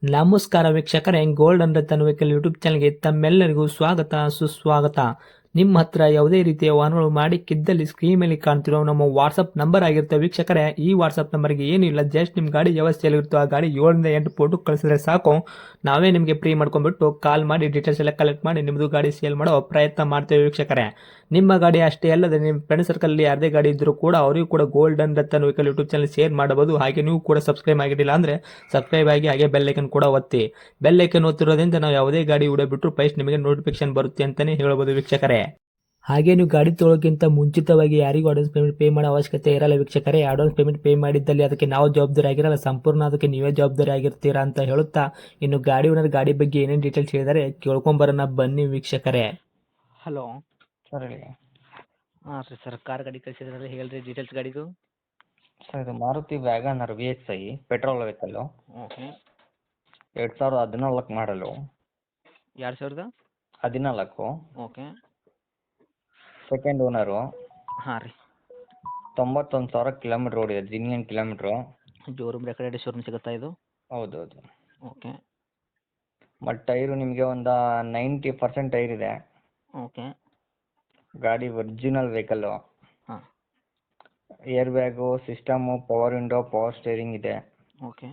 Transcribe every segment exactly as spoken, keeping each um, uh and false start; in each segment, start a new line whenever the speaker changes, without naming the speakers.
ನಮಸ್ಕಾರ ವೀಕ್ಷಕರೇ, gold and Ratan vehicle YouTube ಚಾನಲ್ಗೆ ತಮ್ಮೆಲ್ಲರಿಗೂ ಸ್ವಾಗತ ಸುಸ್ವಾಗತ. ನಿಮ್ಮ ಹತ್ರ ಯಾವುದೇ ರೀತಿಯ ವಾಹನಗಳು ಮಾಡಿಕ್ಕಿದ್ದಲ್ಲಿ ಸ್ಕ್ರೀನ್ ಮೇಲೆ ಕಾಣ್ತಿರೋ ನಮ್ಮ ವಾಟ್ಸಪ್ ನಂಬರ್ ಆಗಿರುತ್ತೆ ವೀಕ್ಷಕರೇ. ಈ ವಾಟ್ಸಪ್ ನಂಬರ್ಗೆ ಏನಿಲ್ಲ, ಜಸ್ಟ್ ನಿಮ್ಮ ಗಾಡಿ ವ್ಯವಸ್ಥೆಯಲ್ಲಿರುತ್ತೋ ಆ ಗಾಡಿ ಏಳರಿಂದ ಎಂಟು ಫೋಟೋ ಕಳಿಸಿದ್ರೆ ಸಾಕು, ನಾವೇ ನಿಮಗೆ ಫ್ರೀ ಮಾಡ್ಕೊಂಡ್ಬಿಟ್ಟು ಕಾಲ್ ಮಾಡಿ ಡೀಟೇಲ್ಸ್ ಎಲ್ಲ ಕಲೆಕ್ಟ್ ಮಾಡಿ ನಿಮ್ಮದು ಗಾಡಿ ಸೇಲ್ ಮಾಡೋ ಪ್ರಯತ್ನ ಮಾಡ್ತೇವೆ ವೀಕ್ಷಕರೇ. ನಿಮ್ಮ ಗಾಡಿ ಅಷ್ಟೇ ಅಲ್ಲದೆ ನಿಮ್ಮ ಫ್ರೆಂಡ್ ಸರ್ಕಲ್ ಯಾರದೇ ಗಾಡಿ ಇದ್ದರೂ ಕೂಡ ಅವರಿಗೂ ಕೂಡ gold and Ratan vehicle YouTube channel share ಮಾಡಬಹುದು. ಹಾಗೆ ನೀವು ಕೂಡ ಸಬ್ಸ್ಕ್ರೈಬ್ ಆಗಿರಲಿಲ್ಲ ಅಂದರೆ ಸಬ್ಸ್ಕ್ರೈಬ್ ಆಗಿ ಹಾಗೆ ಬೆಲ್ ಐಕನ್ ಕೂಡ ಒತ್ತಿ. ಬೆಲ್ ಐಕನ್ ಒತ್ತಿರೋದ್ರಿಂದ ನಾವು ಯಾವುದೇ ಗಾಡಿ ವಿಡಿಯೋ ಬಿಟ್ಟರು ಫಸ್ಟ್ ನಿಮಗೆ ನೋಟಿಫಿಕೇಶನ್ ಬರುತ್ತೆ ಅಂತಾನೆ ಹೇಳ್ಬೋದು ವೀಕ್ಷಕರೇ. ಹಾಗೆ ನೀವು ಗಾಡಿ ತೊಳೋಕ್ಕಿಂತ ಮುಂಚಿತವಾಗಿ ಯಾರಿಗೂ ಅಡ್ವಾನ್ಸ್ ಪೇಮೆಂಟ್ ಪೇ ಮಾಡೋ ಅವಶ್ಯಕತೆ ಇರಲ್ಲ ವೀಕ್ಷಕರೇ. ಅಡ್ವಾನ್ಸ್ ಪೇಮೆಂಟ್ ಪೇ ಮಾಡಿದ್ದಲ್ಲಿ ಅದಕ್ಕೆ ನಾವು ಜವಾಬ್ದಾರಿ ಆಗಿರಲ್ಲ, ಸಂಪೂರ್ಣ ಅದಕ್ಕೆ ನೀವೇ ಜವಾಬ್ದಾರಿ ಆಗಿರ್ತೀರಾ ಅಂತ ಹೇಳುತ್ತಾ, ಇನ್ನು ಗಾಡಿ ಓನರ್ ಗಾಡಿ ಬಗ್ಗೆ ಏನೇನು ಡೀಟೇಲ್ಸ್ ಹೇಳಿದರೆ ಕೇಳ್ಕೊಂಬರೋಣ ಬನ್ನಿ ವೀಕ್ಷಕರೇ. ಹಲೋ
ಸರ್ ಹೇಳಿ.
ಹಾಂ ರೀ ಸರ್, ಕಾರ್ ಗಾಡಿ ಕಳಿಸಿದ್ರಲ್ಲ, ಹೇಳ್ರಿ ಡೀಟೇಲ್ಸ್ ಗಾಡಿದು.
ಸರ್ ಇದು Maruti WagonR V X I petrol vehicle,
okay.
ಎರಡು ಸಾವಿರದ ಹದಿನಾಲ್ಕು ಮಾಡಲು,
ಎರಡು ಸಾವಿರದ
ಹದಿನಾಲ್ಕು,
ಓಕೆ.
ಸೆಕೆಂಡ್ ಓನರು,
ಹಾಂ ರೀ.
ತೊಂಬತ್ತೊಂದು ಸಾವಿರ ಕಿಲೋಮೀಟ್ರ್ ಓಡಿದೆ, genuine kilometre.
Showroom recorded showroom ಸಿಗುತ್ತಾ ಇದು?
ಹೌದು ಹೌದು.
ಓಕೆ
ಮತ್ತು ಟೈರು ನಿಮಗೆ ಒಂದು ನೈಂಟಿ ಪರ್ಸೆಂಟ್ ಟೈರ್ ಇದೆ.
ಓಕೆ.
ಗಾಡಿ ಒರಿಜಿನಲ್ ವೆಹಿಕಲ್ಲು.
ಹಾಂ.
Air bag, system, power window, power steering ಇದೆ.
ಓಕೆ.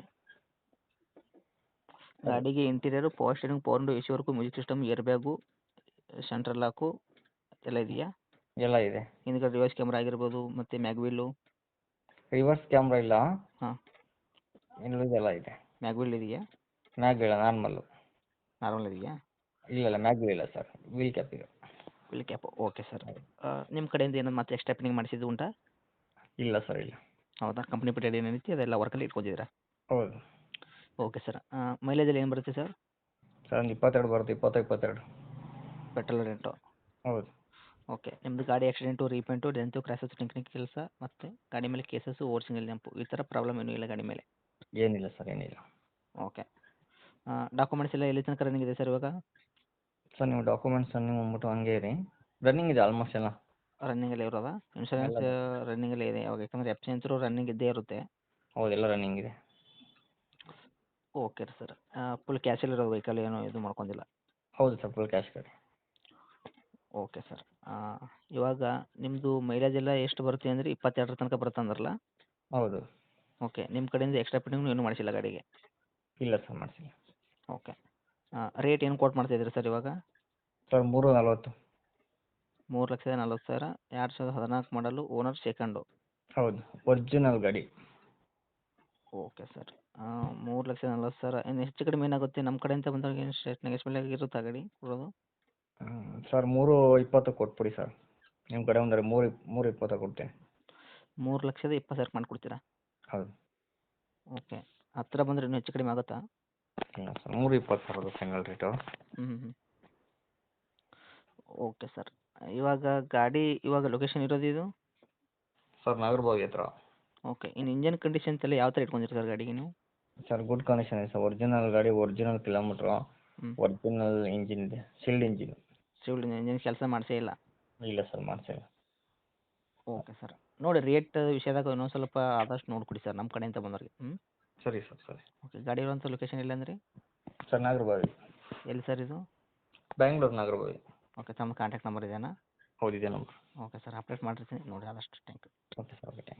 ಗಾಡಿಗೆ interior, power steering, power window, A C work, music system, air bag, central lock ಎಲ್ಲ ಇದೆಯಾ?
ಎಲ್ಲ ಇದೆ.
ಹಿಂದ್ಗಡೆ ರಿವರ್ಸ್ ಕ್ಯಾಮ್ರಾ ಆಗಿರ್ಬೋದು, ಮತ್ತು ಮ್ಯಾಗ್ವಿಲ್ಲು.
ರಿವರ್ಸ್ ಕ್ಯಾಮ್ರಾ ಇಲ್ಲ,
ಹಾಂ.
ಇನ್ನುಳಿದೆಲ್ಲ ಇದೆ.
ಮ್ಯಾಗ್ವಿಲ್ ಇದೆಯಾ?
ಮ್ಯಾಗ್ ಇಲ್ಲ, ನಾರ್ಮಲ್ಲು.
ನಾರ್ಮಲ್ ಇದೆಯಾ?
ಇಲ್ಲ ಇಲ್ಲ, ಮ್ಯಾಗ್ ಇಲ್ಲ ಸರ್, ವೀಲ್ ಕ್ಯಾಪ್ ಇದೆ.
Wheel cap, okay sir. ನಿಮ್ಮ ಕಡೆಯಿಂದ ಏನಾದ್ರು ಮತ್ತೆ ಎಕ್ಸ್ಟ್ರಾ ಫಿಟ್ಟಿಂಗ್ ಮಾಡಿಸಿದ್ದು ಉಂಟಾ?
ಇಲ್ಲ ಸರ್ ಇಲ್ಲ.
ಹೌದಾ? ಕಂಪ್ನಿ ಪೇಟೆಡ್ ಏನೈತಿ ಅದೆಲ್ಲ ವರ್ಕಲ್ಲಿ ಇಟ್ಕೊಂಡಿದ್ದೀರಾ?
ಹೌದು
ಓಕೆ ಸರ್. ಮೈಲೇಜಲ್ಲಿ ಏನು ಬರುತ್ತೆ ಸರ್?
ಸರ್ ಒಂದು ಇಪ್ಪತ್ತೆರಡು ಬರುತ್ತೆ, ಇಪ್ಪತ್ತು ಇಪ್ಪತ್ತೆರಡು.
Petrol rent.
ಹೌದು.
ಓಕೆ. ನಿಮ್ಮದು ಗಾಡಿ accident, repaint, dent, crashes, technique ಕೆಲಸ, ಮತ್ತು ಗಾಡಿ ಮೇಲೆ ಕೇಸಸ್ಸು, ಓವರ್ ಸಿಂಗಲ್ ಜಂಪು, ಈ ಥರ ಪ್ರಾಬ್ಲಮ್ ಏನೂ ಇಲ್ಲ ಗಾಡಿ ಮೇಲೆ?
ಏನಿಲ್ಲ ಸರ್, ಏನಿಲ್ಲ.
ಓಕೆ. ಡಾಕ್ಯುಮೆಂಟ್ಸ್ ಎಲ್ಲ ಎಲ್ಲಿ ತನಕ ರನ್ನಿಂಗ್ ಇದೆ ಸರ್ ಇವಾಗ?
ಸರ್ ನೀವು ಡಾಕ್ಯುಮೆಂಟ್ಸ್ ರನ್ನಿಂಗ್ ಬಂದ್ಬಿಟ್ಟು ಹಂಗೆ ಇರಿ, ರನ್ನಿಂಗ್ ಇದೆ ಆಲ್ಮೋಸ್ಟ್ ಎಲ್ಲ.
ರನ್ನಿಂಗಲ್ಲೇ ಇರೋದಾ? ಇನ್ಶೂರೆನ್ಸ್
ಎಲ್ಲ
ರನ್ನಿಂಗಲ್ಲೇ ಇದೆ ಯಾವಾಗ? ಯಾಕಂದರೆ ಎಫ್ ಸಿ ಅಂತೂ ರನ್ನಿಂಗ್ ಇದ್ದೇ ಇರುತ್ತೆ.
ಹೌದು, ಎಲ್ಲ ರನ್ನಿಂಗ್ ಇದೆ.
Okay sir. ಫುಲ್ ಕ್ಯಾಶಲ್ಲಿರೋ ವೆಹಿಕಲ್ ಏನೂ ಇದು ಮಾಡ್ಕೊಂಡಿಲ್ಲ?
ಹೌದು ಸರ್, ಫುಲ್ ಕ್ಯಾಶ್ ಗಾಡಿ.
Okay sir. ಇವಾಗ ನಿಮ್ಮದು ಮೈಲೇಜ್ ಎಲ್ಲ ಎಷ್ಟು ಬರುತ್ತೆ ಅಂದರೆ ಇಪ್ಪತ್ತೆರಡರ ತನಕ ಬರುತ್ತೆ ಅಂದ್ರಲ್ಲ?
ಹೌದು.
ಓಕೆ. ನಿಮ್ಮ ಕಡೆಯಿಂದ ಎಕ್ಸ್ಟ್ರಾ ಫಿಟ್ಟಿಂಗ್ನು ಏನೂ ಮಾಡಿಸಿಲ್ಲ ಗಾಡಿಗೆ?
ಇಲ್ಲ ಸರ್, ಮಾಡಿಸಿಲ್ಲ.
ಓಕೆ. ರೇಟ್ ಏನು ಕೋಟ್ ಮಾಡ್ತಾಯಿದ್ದೀರಿ ಸರ್ ಇವಾಗ?
ಸರ್ ಮೂರು ನಲ್ವತ್ತು.
ಮೂರು ಲಕ್ಷದ ನಲ್ವತ್ತು ಸಾವಿರ. ಎರಡು ಸಾವಿರದ ಹದಿನಾಲ್ಕು ಮಾಡಲು, ಓನರ್ ಸೆಕೆಂಡು.
ಹೌದು, ಒರಿಜಿನಲ್ ಗಾಡಿ.
Okay sir. ಮೂರು ಲಕ್ಷದ ನಲ್ವತ್ತು ಸಾವಿರ. ಇನ್ನು ಹೆಚ್ಚು ಕಡಿಮೆ ಏನಾಗುತ್ತೆ ನಮ್ಮ ಕಡೆಯಿಂದ ಬಂದಾಗ? ಏನು ಎಷ್ಟು ನೆಗೆಶ್ಮೆಂಟ್ ಇರುತ್ತಾ ಗಾಡಿ ಕೊಡೋದು?
ಸರ್ ಮೂರು ಇಪ್ಪತ್ತು ಕೊಟ್ಬಿಡಿ ಸರ್, ನಿಮ್ಮ ಕಡೆ ಅಂದರೆ ಮೂರು ಇಪ್ ಮೂರು ಇಪ್ಪತ್ತು ಕೊಡ್ತೇನೆ.
ಮೂರು ಲಕ್ಷದ ಇಪ್ಪತ್ತು ಸಾವಿರ ಮಾಡಿಕೊಡ್ತೀರಾ?
ಹೌದು.
ಓಕೆ. ಹತ್ತಿರ ಬಂದರೆ ಇನ್ನೂ ಹೆಚ್ಚು ಕಡಿಮೆ ಆಗುತ್ತಾ?
ಇಲ್ಲ ಸರ್, ಮೂರು ಇಪ್ಪತ್ತು ಬರೋದು ಫೈನಲ್ ರೇಟು.
ಹ್ಞೂ ಹ್ಞೂ ಓಕೆ ಸರ್. ಇವಾಗ ಗಾಡಿ ಇವಾಗ ಲೊಕೇಶನ್ ಇರೋದು ಇದು?
ಸರ್ ನಾಗರಬಾವಿ ಹತ್ರ.
ಓಕೆ. ಇನ್ನು ಇಂಜನ್ ಕಂಡೀಷನ್ಸ್ ಎಲ್ಲ ಯಾವ ಥರ ಇಟ್ಕೊಂಡಿರಿ ಸರ್ ಗಾಡಿಗೆ ನೀವು?
ಸರ್ ಗುಡ್ ಕಂಡೀಷನ್ ಇದೆ ಸರ್, ಒರಿಜಿನಲ್ ಗಾಡಿ, ಒರಿಜಿನಲ್ ಕಿಲೋಮೀಟ್ರು,
ಹ್ಞೂ.
ಒರಿಜಿನಲ್ ಇಂಜಿನ್ ಇದೆ, ಶಿಲ್ಡ್ ಇಂಜಿನ್.
ಶಿಲ್ಡ್ ಇಂಜಿನ್ ಕೆಲಸ ಮಾಡಿಸೇ ಇಲ್ಲ?
ಇಲ್ಲ ಸರ್, ಮಾಡಿಸಿಲ್ಲ.
Okay sir. ನೋಡಿ ರೇಟ್ ವಿಷಯದಾಗ ಇನ್ನೊಂದು ಸ್ವಲ್ಪ ಆದಷ್ಟು ನೋಡಿಕೊಡಿ ಸರ್ ನಮ್ಮ ಕಡೆಯಿಂದ ಬಂದವ್ರಿಗೆ. ಹ್ಞೂ.
ಸರಿ ಸರ್, ಸರಿ.
ಓಕೆ. ಗಾಡಿ ಇರುವಂಥ ಲೊಕೇಶನ್ ಎಲ್ಲಂದ್ರಿ?
ಸರ್ ನಾಗರಬಾವಿ.
ಎಲ್ಲಿ ಸರ್ ಇದು?
ಬ್ಯಾಂಗ್ಳೂರು ನಾಗರಬಾವಿ.
ಓಕೆ. ತಮ್ಮ ಕಾಂಟ್ಯಾಕ್ಟ್ ನಂಬರ್ ಇದೆಯಾ?
ಹೌದಿದೆ ನಂಬರ್.
ಓಕೆ ಸರ್, ಅಪ್ಡೇಟ್ ಮಾಡಿರ್ತೀನಿ ನೋಡಿ ಆದಷ್ಟು. Thank you.
Okay sir, okay.